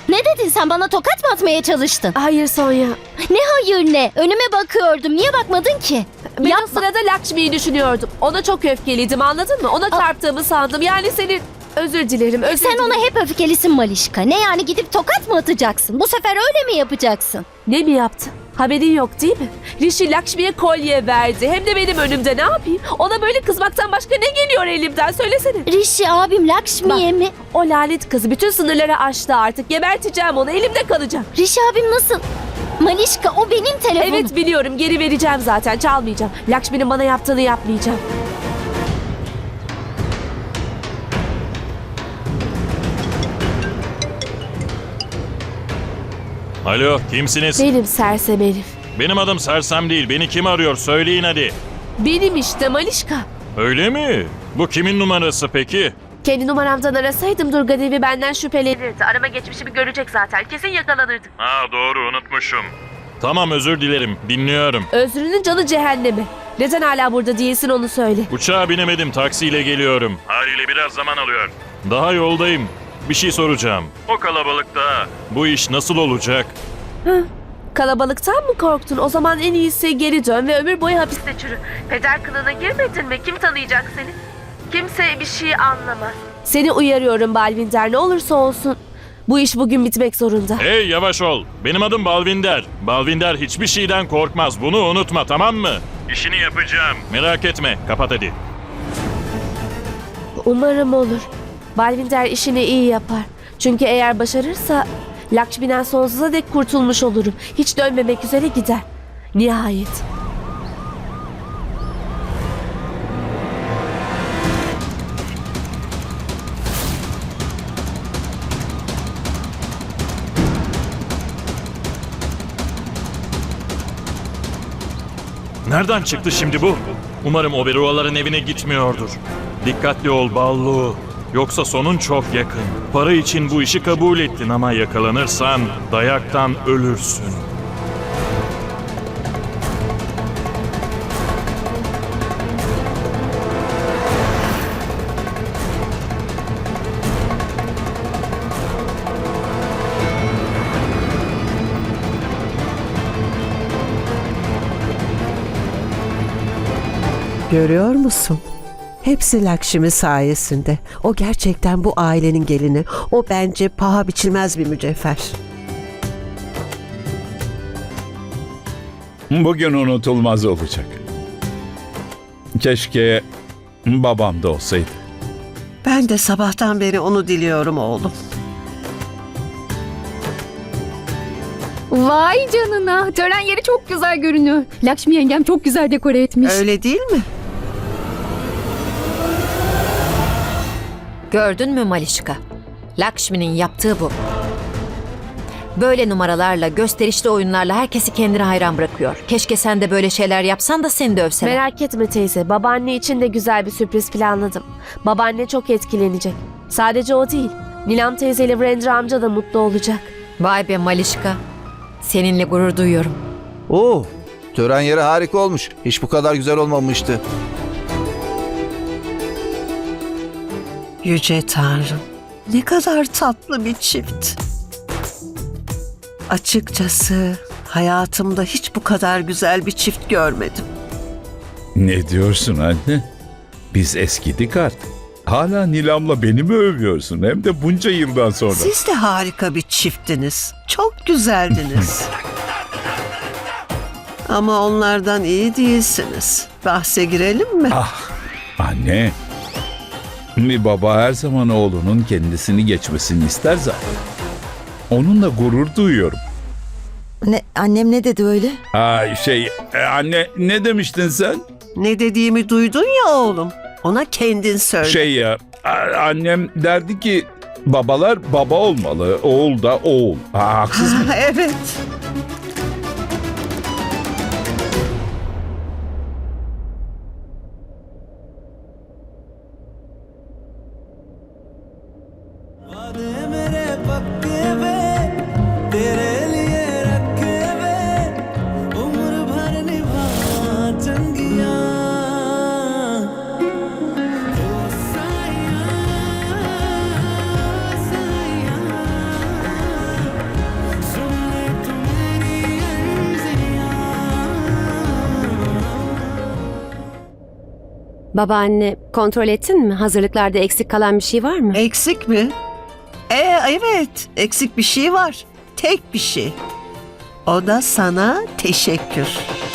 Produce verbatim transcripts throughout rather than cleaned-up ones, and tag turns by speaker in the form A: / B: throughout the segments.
A: Ne dedin sen, bana tokat mı atmaya çalıştın?
B: Hayır Sonya.
A: Ne hayır ne? Önüme bakıyordum. Niye bakmadın ki?
B: Ben o
A: Yapma.
B: sırada Lakshmi'yi düşünüyordum. Ona çok öfkeliydim, anladın mı? Ona çarptığımı sandım. Yani senin... Özür dilerim, özür
A: Sen
B: dilerim.
A: ona hep öfkelisin Malişka. Ne yani, gidip tokat mı atacaksın? Bu sefer öyle mi yapacaksın?
B: Ne mi yaptı? Haberin yok değil mi? Rishi Lakshmi'ye kolye verdi. Hem de benim önümde, ne yapayım? Ona böyle kızmaktan başka ne geliyor elimden? Söylesene.
A: Rishi abim Lakshmi'ye
B: Bak,
A: mi?
B: O lanet kızı bütün sınırları aştı artık. Geberteceğim onu, elimde kalacak.
A: Rishi abim nasıl? Malişka, o benim telefonum.
B: Evet biliyorum, geri vereceğim zaten, çalmayacağım. Lakshmi'nin bana yaptığını yapmayacağım.
C: Alo, kimsiniz?
B: Benim sersem herif.
C: Benim adım Sersem değil. Beni kim arıyor? Söyleyin hadi.
B: Benim işte Malişka.
C: Öyle mi? Bu kimin numarası peki?
B: Kendi numaramdan arasaydım Durgadevi benden şüphelenirdi. Arama geçmişimi görecek zaten. Kesin yakalanırdım.
C: Ha doğru, unutmuşum. Tamam, özür dilerim. Dinliyorum.
B: Özrünün canı cehenneme. Neden hala burada değilsin onu söyle.
C: Uçağa binemedim, taksiyle geliyorum. Haliyle biraz zaman alıyor. Daha yoldayım. Bir şey soracağım. O kalabalıkta bu iş nasıl olacak?
B: Kalabalıktan mı korktun? O zaman en iyisi geri dön ve ömür boyu hapiste çürü. Peder kılığına girmedin mi? Kim tanıyacak seni? Kimse bir şey anlamaz. Seni uyarıyorum Balvinder, ne olursa olsun. Bu iş bugün bitmek zorunda.
C: Hey, yavaş ol. Benim adım Balvinder. Balvinder hiçbir şeyden korkmaz. Bunu unutma, tamam mı? İşini yapacağım. Merak etme. Kapat hadi.
B: Umarım olur. Balvinder işini iyi yapar. Çünkü eğer başarırsa Lakshmi'den sonsuza dek kurtulmuş olurum. Hiç dönmemek üzere gider. Nihayet.
C: Nereden çıktı şimdi bu? Umarım Oberoaların evine gitmiyordur. Dikkatli ol Ballu. Yoksa sonun çok yakın. Para için bu işi kabul ettin ama yakalanırsan dayaktan ölürsün.
D: Görüyor musun? Hepsi Lakshmi sayesinde. O gerçekten bu ailenin gelini. O bence paha biçilmez bir mücevher.
E: Bugün unutulmaz olacak. Keşke babam da olsaydı.
D: Ben de sabahtan beri onu diliyorum oğlum.
F: Vay canına. Tören yeri çok güzel görünüyor. Lakshmi yengem çok güzel dekore etmiş.
D: Öyle değil mi?
G: Gördün mü Malişka? Lakshmi'nin yaptığı bu. Böyle numaralarla, gösterişli oyunlarla herkesi kendine hayran bırakıyor. Keşke sen de böyle şeyler yapsan da seni de övseler.
B: Merak etme teyze, babaanne için de güzel bir sürpriz planladım. Babaanne çok etkilenecek. Sadece o değil, Nilam teyzeyle Vrendra amca da mutlu olacak.
G: Vay be Malişka. Seninle gurur duyuyorum.
H: Oo, tören yeri harika olmuş. Hiç bu kadar güzel olmamıştı.
D: Yüce Tanrım. Ne kadar tatlı bir çift. Açıkçası hayatımda hiç bu kadar güzel bir çift görmedim.
E: Ne diyorsun anne? Biz eskidik artık. Hala Nilam'la beni mi övüyorsun? Hem de bunca yıldan sonra.
D: Siz de harika bir çifttiniz. Çok güzeldiniz. Ama onlardan iyi değilsiniz. Bahse girelim mi?
E: Ah anne. Bir baba her zaman oğlunun kendisini geçmesini ister zaten. Onunla gurur duyuyorum.
I: Ne, annem ne dedi öyle?
E: Aa, şey e, anne ne demiştin sen?
D: Ne dediğimi duydun ya oğlum. Ona kendin söyle.
E: Şey ya a- annem derdi ki babalar baba olmalı, oğul da oğul. Ha, haksız mı?
D: Evet.
B: Babaanne, kontrol ettin mi? Hazırlıklarda eksik kalan bir şey var mı?
D: Eksik mi? Ee, evet, eksik bir şey var. Tek bir şey. O da sana teşekkür.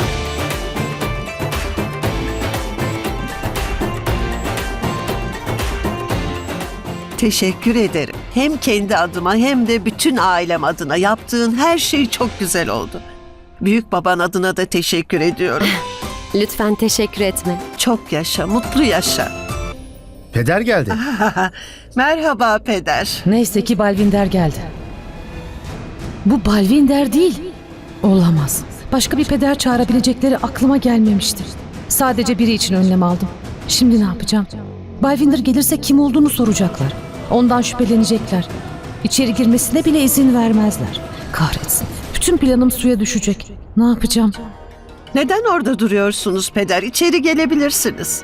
D: Teşekkür ederim. Hem kendi adıma hem de bütün ailem adına yaptığın her şey çok güzel oldu. Büyük baban adına da teşekkür ediyorum.
B: Lütfen teşekkür etme.
D: Çok yaşa, mutlu yaşa.
J: Peder geldi.
D: Merhaba peder.
K: Neyse ki Balvinder geldi. Bu Balvinder değil. Olamaz. Başka bir peder çağırabilecekleri aklıma gelmemişti. Sadece biri için önlem aldım. Şimdi ne yapacağım? Balvinder gelirse kim olduğunu soracaklar. Ondan şüphelenecekler. İçeri girmesine bile izin vermezler. Kahretsin. Bütün planım suya düşecek. Ne yapacağım?
D: Neden orada duruyorsunuz peder? İçeri gelebilirsiniz.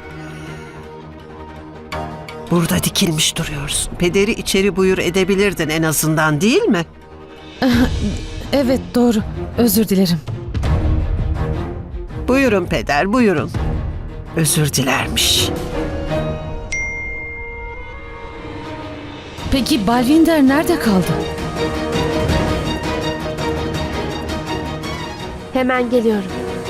D: Burada dikilmiş duruyorsun. Pederi içeri buyur edebilirdin en azından, değil mi?
K: Evet, doğru. Özür dilerim.
D: Buyurun peder, buyurun. Özür dilermiş.
K: Peki Balvinder nerede kaldı?
B: Hemen geliyorum.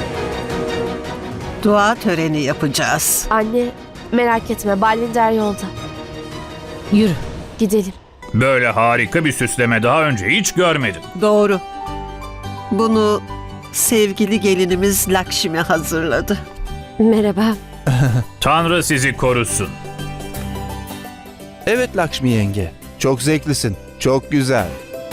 D: Dua töreni yapacağız.
B: Anne, merak etme. Balvinder yolda.
K: Yürü.
B: Gidelim.
E: Böyle harika bir süsleme daha önce hiç görmedim.
D: Doğru. Bunu sevgili gelinimiz Lakşmi hazırladı.
B: Merhaba.
E: Tanrı sizi korusun.
H: Evet Lakşmi yenge. Çok zevklisin. Çok güzel.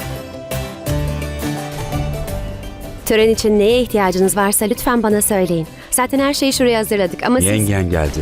B: Tören için neye ihtiyacınız varsa lütfen bana söyleyin. Zaten her şeyi şuraya hazırladık ama siz...
J: Yengen geldi.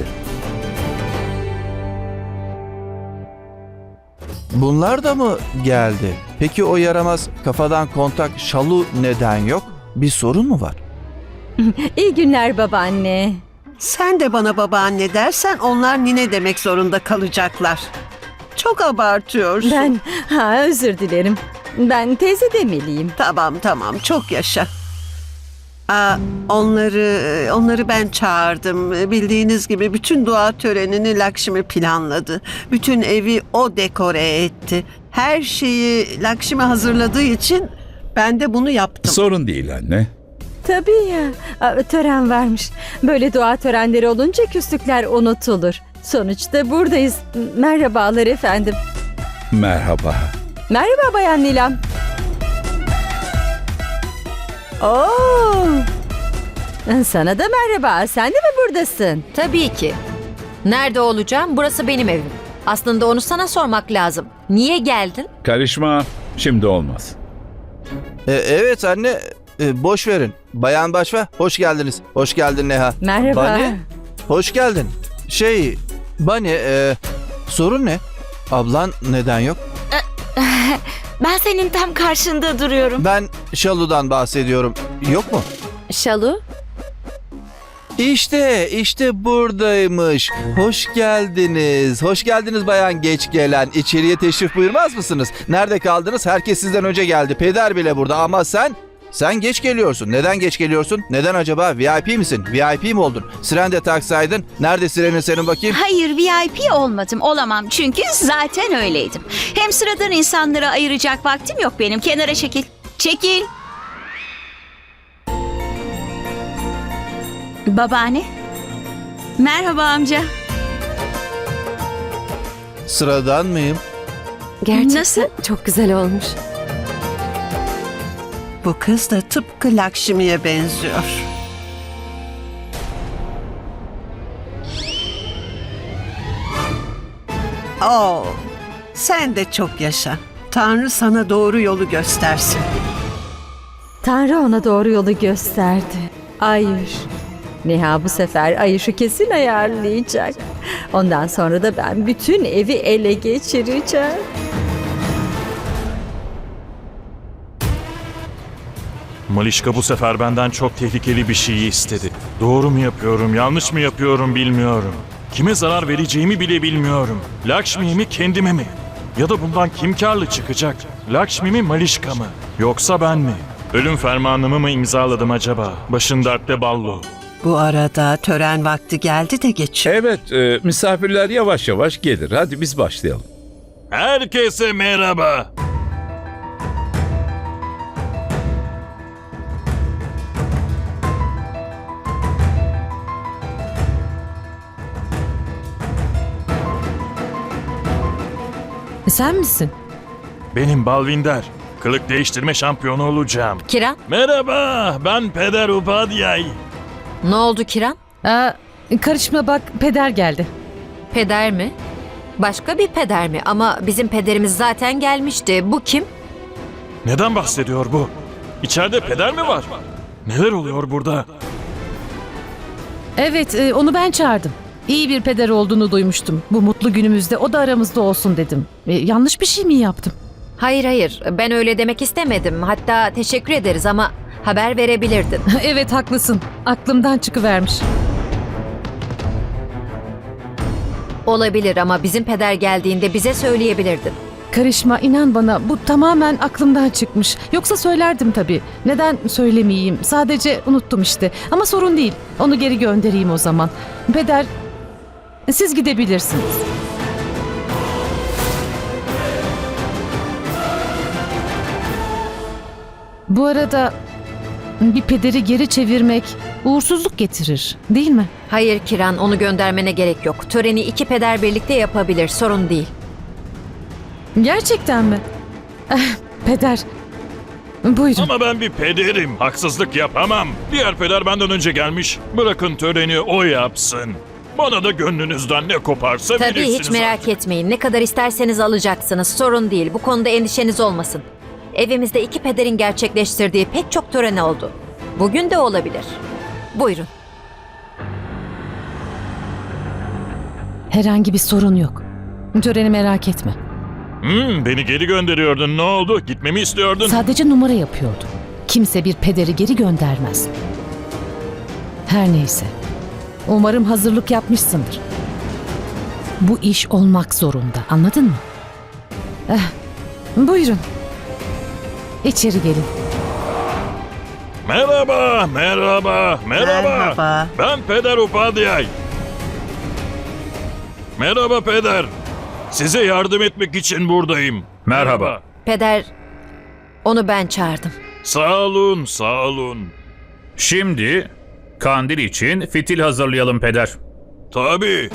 H: Bunlar da mı geldi? Peki o yaramaz kafadan kontak Şalu neden yok? Bir sorun mu var?
A: İyi günler babaanne.
D: Sen de bana babaanne dersen onlar nine demek zorunda kalacaklar. Çok abartıyorsun.
A: Ben, ha özür dilerim. Ben teyze demeliyim.
D: Tamam tamam, çok yaşa. Aa, onları onları ben çağırdım. Bildiğiniz gibi bütün dua törenini Lakşmi planladı. Bütün evi o dekore etti. Her şeyi Lakşmi hazırladığı için ben de bunu yaptım.
E: Sorun değil anne.
A: Tabii ya. Aa, tören varmış. Böyle dua törenleri olunca küslükler unutulur. Sonuçta buradayız. Merhabalar efendim.
E: Merhaba.
A: Merhaba Bayan Nilam. Oo. Sana da merhaba. Sen de mi buradasın?
G: Tabii ki. Nerede olacağım? Burası benim evim. Aslında onu sana sormak lazım. Niye geldin?
E: Karışma. Şimdi olmaz.
H: E, evet anne. E, boş verin. Bayan Başva, hoş geldiniz. Hoş geldin Neha.
A: Merhaba.
H: Bani, hoş geldin. Şey, Bani, e, sorun ne? Ablan neden yok?
A: Ben senin tam karşında duruyorum.
H: Ben Şalu'dan bahsediyorum. Yok mu?
B: Şalu?
H: İşte, işte buradaymış. Hoş geldiniz. Hoş geldiniz bayan geç gelen. İçeriye teşrif buyurmaz mısınız? Nerede kaldınız? Herkes sizden önce geldi. Peder bile burada ama sen... Sen geç geliyorsun. Neden geç geliyorsun? Neden acaba? V I P misin? V I P mi oldun? Siren de taksaydın. Nerede sirenin senin bakayım?
L: Hayır, V I P olmadım. Olamam çünkü zaten öyleydim. Hem sıradan insanlara ayıracak vaktim yok benim. Kenara çekil. Çekil. Babaanne. Merhaba amca.
H: Sıradan mıyım?
B: Gerçekten
L: Nasıl?
B: çok güzel olmuş.
D: Bu kız da tıpkı Lakşmi'ye benziyor. Oo, sen de çok yaşa. Tanrı sana doğru yolu göstersin.
A: Tanrı ona doğru yolu gösterdi. Ayuş. Neha bu sefer Ayuş'u kesin ayarlayacak. Ondan sonra da ben bütün evi ele geçireceğim.
C: Malişka bu sefer benden çok tehlikeli bir şeyi istedi. Doğru mu yapıyorum, yanlış mı yapıyorum bilmiyorum. Kime zarar vereceğimi bile bilmiyorum. Lakshmi'ye mi, kendime mi? Ya da bundan kim karlı çıkacak? Lakshmi mi, Malişka mı? Yoksa ben mi? Ölüm fermanımı mı imzaladım acaba? Başın dertte ballo.
D: Bu arada tören vakti geldi de geçiyor.
E: Evet, e, misafirler yavaş yavaş gelir. Hadi biz başlayalım.
C: Herkese merhaba.
K: E, sen misin?
C: Benim Balvinder. Kılık değiştirme şampiyonu olacağım.
G: Kiran,
C: Merhaba, ben Peder Upadhyay.
G: ne oldu Kiran?
K: Aa, karışma bak, peder geldi.
G: Peder mi? Başka bir peder mi? Ama bizim pederimiz zaten gelmişti. Bu kim?
C: Neden bahsediyor bu? İçeride peder mi var? Neler oluyor burada?
K: Evet, e, onu ben çağırdım. İyi bir peder olduğunu duymuştum. Bu mutlu günümüzde o da aramızda olsun dedim. E, yanlış bir şey mi yaptım?
G: Hayır hayır, ben öyle demek istemedim. Hatta teşekkür ederiz ama haber verebilirdin.
K: Evet, haklısın. Aklımdan çıkıvermiş.
G: Olabilir ama bizim peder geldiğinde bize söyleyebilirdin.
K: Karışma, inan bana, bu tamamen aklımdan çıkmış. Yoksa söylerdim tabii. Neden söylemeyeyim? Sadece unuttum işte. Ama sorun değil. Onu geri göndereyim o zaman. Peder, siz gidebilirsiniz. Bu arada bir pederi geri çevirmek uğursuzluk getirir, değil mi?
G: Hayır Kiran, onu göndermene gerek yok. Töreni iki peder birlikte yapabilir, sorun değil.
K: Gerçekten mi? Eh, Peder, buyurun.
C: Ama ben bir pederim. Haksızlık yapamam. Diğer peder benden önce gelmiş. Bırakın töreni o yapsın. Bana da gönlünüzden ne koparsa
G: Tabii
C: verirsiniz.
G: hiç merak etmeyin. Ne kadar isterseniz alacaksınız. Sorun değil. Bu konuda endişeniz olmasın. Evimizde iki pederin gerçekleştirdiği pek çok tören oldu. Bugün de olabilir. Buyurun.
K: Herhangi bir sorun yok. Töreni merak etme.
C: Hmm, beni geri gönderiyordun. Ne oldu? Gitmemi istiyordun.
K: Sadece numara yapıyordu. Kimse bir pederi geri göndermez. Her neyse. Umarım hazırlık yapmışsındır. Bu iş olmak zorunda. Anladın mı? Eh, buyurun. İçeri gelin.
C: Merhaba, merhaba, merhaba.
D: Merhaba.
C: Ben Peder Upadhyay. Merhaba peder. Size yardım etmek için buradayım.
E: Merhaba.
G: Peder, onu ben çağırdım.
C: Sağ olun, sağ olun.
M: Şimdi kandil için fitil hazırlayalım peder.
C: Tabii.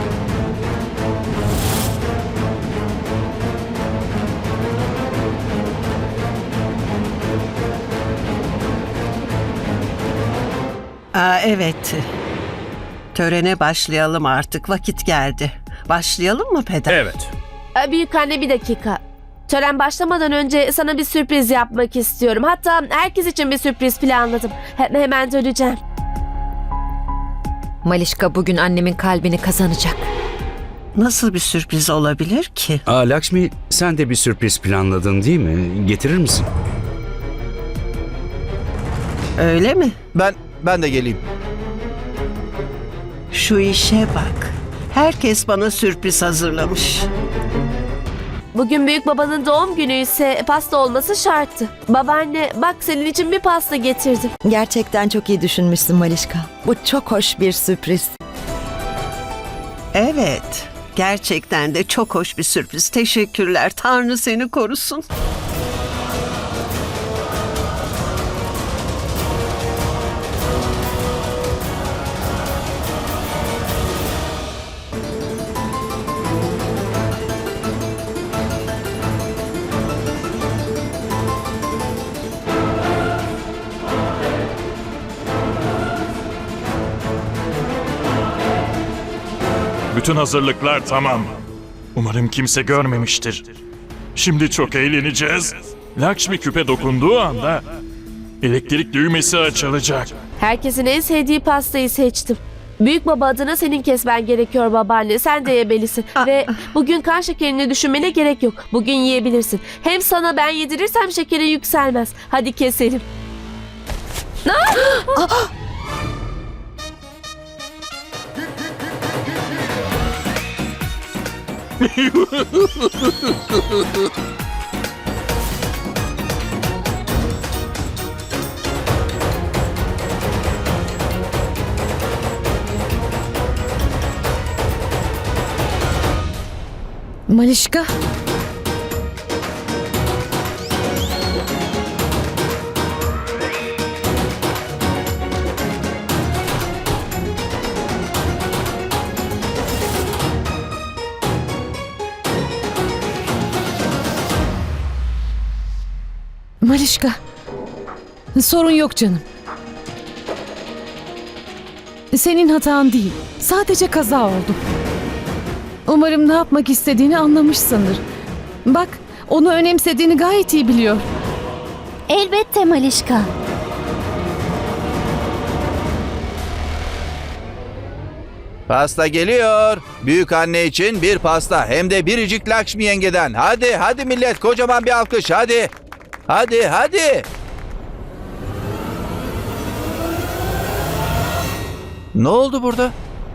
D: Aa, evet. Törene başlayalım artık. Vakit geldi. Başlayalım mı peder?
M: Evet.
B: Ee, Büyük anne bir dakika. Tören başlamadan önce sana bir sürpriz yapmak istiyorum. Hatta herkes için bir sürpriz planladım. He- hemen döneceğim.
G: Malişka bugün annemin kalbini kazanacak.
D: Nasıl bir sürpriz olabilir ki?
J: Aa Lakshmi, sen de bir sürpriz planladın değil mi? Getirir misin?
D: Öyle mi?
H: Ben ben de geleyim.
D: Şu işe bak. Herkes bana sürpriz hazırlamış.
B: Bugün büyük babanın doğum günü ise pasta olması şarttı. Babaanne bak senin için bir pasta getirdim.
I: Gerçekten çok iyi düşünmüşsün Malişka. Bu çok hoş bir sürpriz.
D: Evet. Gerçekten de çok hoş bir sürpriz. Teşekkürler. Tanrı seni korusun.
C: Bütün hazırlıklar tamam. Umarım kimse görmemiştir. Şimdi çok eğleneceğiz. Lakshmi küpe dokunduğu anda elektrik düğmesi açılacak.
B: Herkesin en sevdiği pastayı seçtim. Büyük baba adına senin kesmen gerekiyor babaanne. Sen de yemelisin. Ve bugün kan şekerini düşünmene gerek yok. Bugün yiyebilirsin. Hem sana ben yedirirsem şekerin yükselmez. Hadi keselim.
K: Malişka. Malişka. Sorun yok canım. Senin hatan değil. Sadece kaza oldu. Umarım ne yapmak istediğini anlamışsındır. Bak, onu önemsediğini gayet iyi biliyor.
F: Elbette Malişka.
H: Pasta geliyor. Büyük anne için bir pasta. Hem de biricik Lakshmi yengeden. Hadi hadi millet, kocaman bir alkış hadi. Hadi hadi. Ne oldu burada?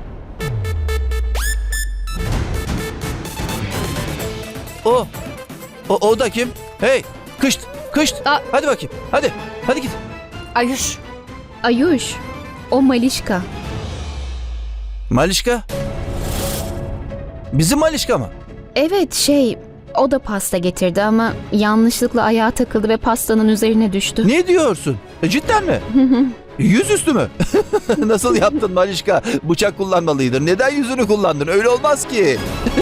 H: O. O, o da kim? Hey, kışt, kışt.
F: Aa.
H: Hadi bakayım. Hadi. Hadi git.
F: Ayuş. Ayuş. O Malişka.
H: Malişka. Bizim Malişka mı?
F: Evet şey o da pasta getirdi ama yanlışlıkla ayağa takıldı ve pastanın üzerine düştü.
H: Ne diyorsun? E, cidden mi? Yüzüstü mü? Nasıl yaptın Malişka? Bıçak kullanmalıydın. Neden yüzünü kullandın? Öyle olmaz ki.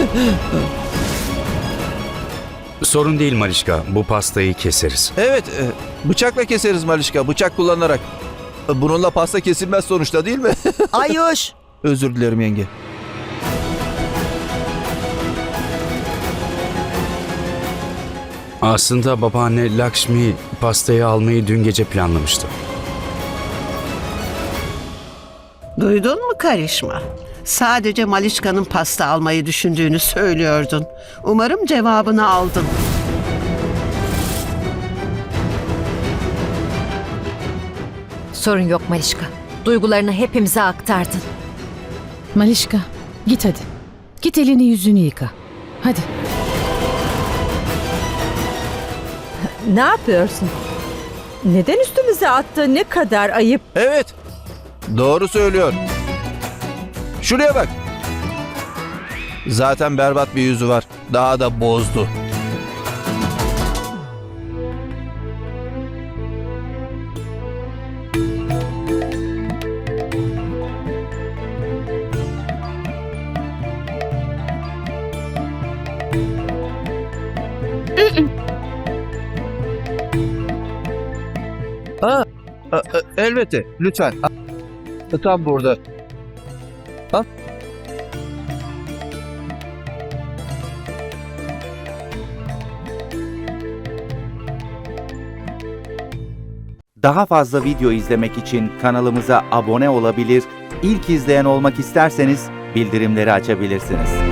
J: Sorun değil Malişka. Bu pastayı keseriz.
H: Evet, e, bıçakla keseriz Malişka. Bıçak kullanarak. E, Bununla pasta kesilmez sonuçta, değil mi?
I: Ayuş.
H: Özür dilerim yenge.
J: Aslında babaanne Lakshmi pastayı almayı dün gece planlamıştı.
D: Duydun mu karışma? Sadece Malişka'nın pasta almayı düşündüğünü söylüyordun. Umarım cevabını aldın.
G: Sorun yok Malişka. Duygularını hepimize aktardın.
K: Malişka, git hadi. Git elini yüzünü yıka. Hadi.
A: Ne yapıyorsun? Neden üstümüze attı? Ne kadar ayıp.
H: Evet, doğru söylüyor. Şuraya bak. Zaten berbat bir yüzü var. Daha da bozdu. Ha, e, e, elbette. Lütfen. A- Tam burada. Ha?
N: Daha fazla video izlemek için kanalımıza abone olabilir, ilk izleyen olmak isterseniz bildirimleri açabilirsiniz.